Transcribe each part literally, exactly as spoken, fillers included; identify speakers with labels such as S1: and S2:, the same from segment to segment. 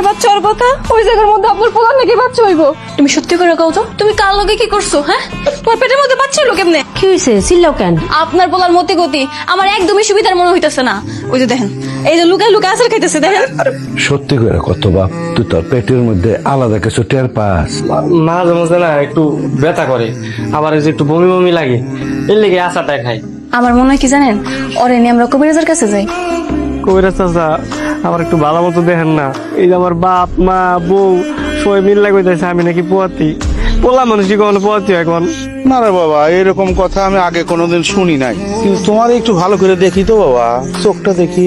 S1: আমার বাচ্চা হওয়ার কথা, ওই জায়গার মধ্যে আপনার পোলার নাকি বাচ্চা হইব। তুমি সত্যি করে কও তো, তুমি কার লগে কি করছো? হ্যাঁ, তোমার পেটের মধ্যে বাচ্চা হলো কেমনে?
S2: কি হয়েছে? চিল্লাও কেন?
S1: আপনার পোলার মতি গতি আমার একদমই সুবিধার মনে হইতেছে না। ওই যে দেখেন, এই যে লুকায় লুকায় আচার খাইতেছে, দেখেন।
S3: সত্যি করে কত বাপ, তুই তোর পেটের মধ্যে আলাদা কিছু টের পাস?
S4: মাঝে মাঝে না একটু ব্যথা করে, আবার এই যে একটু বমি বমি লাগে, এর লেগে আচারটা খাই।
S1: আমার মনে হয় কি জানেন, ওরে নিয়ে আমরা কবিরাজের কাছে যাই।
S4: কবিরাজ চাচা আমার একটু ভালো মতো দেখেন না, এই যে আমার বাপ মা বউ সবাই মিল্লা কইতেছে আমি নাকি পোয়াতি। পোলা মানুষই কখনো পোয়াতি এখন?
S5: না রে বাবা, এরকম কথা আমি আগে কোনোদিন শুনি নাই, কিন্তু তোমার একটু ভালো করে দেখি তো বাবা, চোখটা দেখি।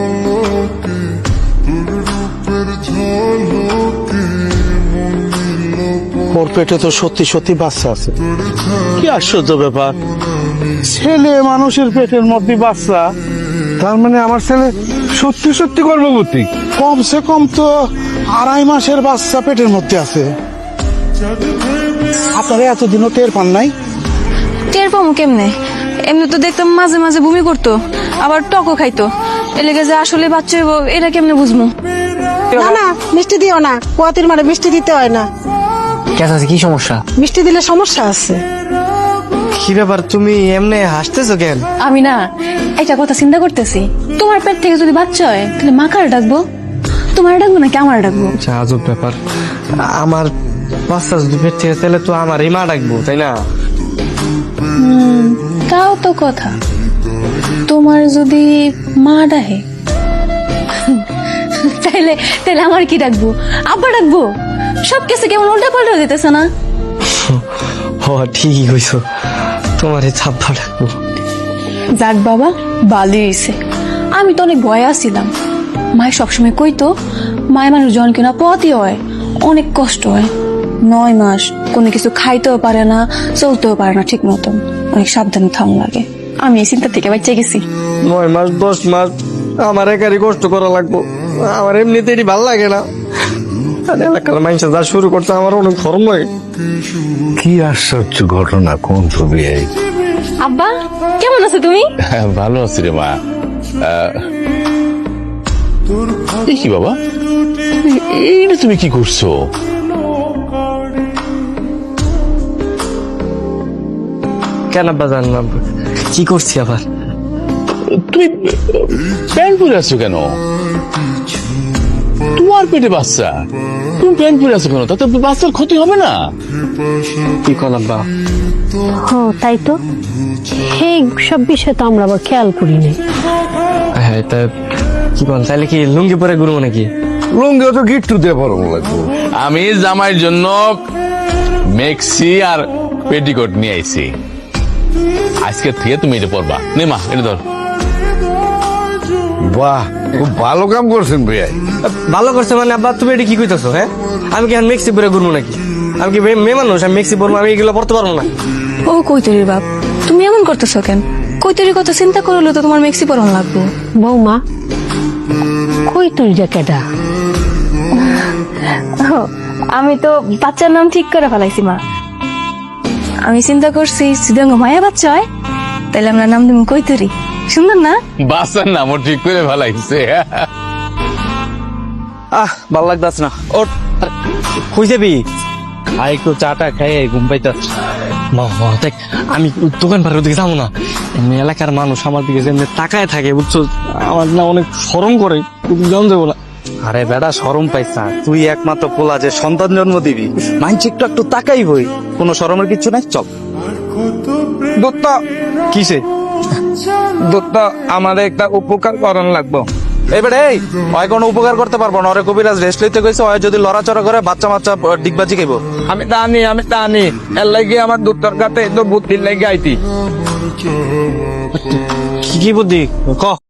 S5: ওর পেটে তো সত্যি সত্যি বাচ্চা আছে। কি আশ্চর্য ব্যাপার, ছেলে মানুষের পেটের মধ্যে বাচ্চা,
S3: তার মানে আমার ছেলে সত্যি সত্যি গর্ভবতী।
S5: কমসে কম তো আড়াই মাসের বাচ্চা পেটের মধ্যে আছে। আপনারা এতদিনও টের পান নাই?
S1: টের পাবো কেমনে? এমনি তো দেখতাম মাঝে মাঝে বমি করতো, আবার টকও খাইতো। এ লেগে যে আসলে বাচ্চা হইব এটা কেমনে বুঝবো?
S2: না না, মিষ্টি দিও না, পোয়াতির মানে মিষ্টি দিতে হয় না।
S4: কেন আছে, কি সমস্যা?
S2: মিষ্টি দিলে সমস্যা আছে।
S4: কি ব্যাপার, তুমি এমনি হাসতেছো কেন?
S1: আমি না একটা কথা চিন্তা করতেছি, তোমার পেট থেকে যদি বাচ্চা হয় তাহলে মা কার ডাকবো? তোমার ডাকবো নাকি আমার ডাকবো?
S4: আচ্ছা, আজব ব্যাপার। আমার বাচ্চা যদি পেট থেকে, তাহলে তো আমার এই মা ডাকবো, তাই না?
S1: হুম, তাও তো কথা। তোমার যদি মা ডাকে তাইলে তাহলে আমার কি ডাকবো? আব্বা ডাকবো? সব কিছু কেমন উল্টা পাল্টা হয়ে যেতেছে না?
S4: ও ঠিকই কইছো, তোমার এই ছাপ্পা ডাকবো।
S1: যাক বাবা, ভালোই হয়েছে। আমি তো অনেক ভয়ে আসছিলাম। মায়ের সবসময় কইতো, মায়ের মানুষ জন কিনা পথই হয়, অনেক কষ্ট হয়। নয় মাস কোনো কিছু খাইতেও পারে না, চলতেও পারে না ঠিক মতন, অনেক সাবধানে থাম লাগে। আমি এই চিন্তা থেকে বাঁচে গেছি।
S4: নয় মাস দশ মাস আমার একারই কষ্ট করা লাগবো, আমার এমনিতেই ভাল লাগে না। আর এলাকার মানুষ যা শুরু করছে আমার অনেক ধর্ম।
S3: কি আশ্চর্য ঘটনা, কোন ছবি এই?
S1: আব্বা কেমন আছো তুমি?
S6: ভালো আছি রে মা। কি বাবা, এইটা তুমি কি করছো?
S4: কেন আব্বা জানলাম কি করছি আবার?
S6: তুমি প্যান্ট পরে আছো কেন? তোমার পেটে বাচ্চা, তুমি প্যান্ট পরে আছো কেন? তাতে বাচ্চার ক্ষতি হবে না?
S4: কি কল আব্বা?
S2: হ তাই তো, এই সব বিষয় তো আমরা আবার খেয়াল করি নাই।
S4: হ্যাঁ, তা কি বল, তাহলে কি লুঙ্গি পরে ঘুরবো নাকি?
S3: লুঙ্গি তো গিট্টু দিয়ে পরম লাগবো।
S6: আমি জামাইয়ের জন্য মেক্সি আর পেটিকোট নিয়ে আইছি। আজকে থেকে তুমি এটা পরবা। নে মা, এটা ধর।
S3: বাহ, খুব ভালো কাম করছেন ভাইয়া।
S4: ভালো করছে মানে আব্বা, তুমি এটা কি কইতেছো? হ্যাঁ, আমি কি এখন মেক্সি পরে ঘুরবো নাকি? আমি কি মেয়ে মানুষ, আমি মেক্সি পরবো? আমি এগুলো পড়তে পারবো না।
S1: ও কৈতরির বাপ, তুমি এমন করতেছো কেন? কৈতরির কথা চিন্তা করলে তো তোমার মেক্সি পরন লাগবো।
S2: বৌমা, কই তুই কেডা?
S1: আমি তো বাচ্চার নাম ঠিক করে ফেলাইছি মা। আমি চিন্তা করছি যদি মায়া বাচ্চা হয় তাহলে আমরা নাম দেবো কৈতরি। সুন্দর না?
S6: বাচ্চার নামও ঠিক করে ভালাইছে।
S5: আহ, ভাল লাগতাছে না।
S4: ওর কই যাবি? আর একটু চাটা খাই ঘুম পাইতাছি। মা মা দেখ, আমি দোকান পাড়ের দিকে যাবো না। এমনি এলাকার মানুষ আমার দিকে যেমনি তাকায় থাকে, বুঝছো, আমার না অনেক শরম করে, জান যাবো না।
S5: আরে বেটা, শরম পাইছ না? তুই একমাত্র পোলা যে সন্তান জন্ম দিবি, মাইন্ড একটু একটু তাকাই হই, কোনো শরমের কিচ্ছু নাই। চল
S7: দত্ত,
S4: কিসে?
S7: দত্ত, আমাদের একটা উপকার করণ লাগবো।
S5: এবারে এই হয় কোনো উপকার করতে পারবো না। ওরে কবিরাজ রেস্ট লইতে কইছে, হয় যদি লড়াচড়া করে বাচ্চা বাচ্চা ডিগবাজি খাইব।
S7: আমি জানি, আমি জানি, এর লাগে আমার দুটার কাছে বুদ্ধির লাগে আইতি।
S4: কি কি বুদ্ধি ক?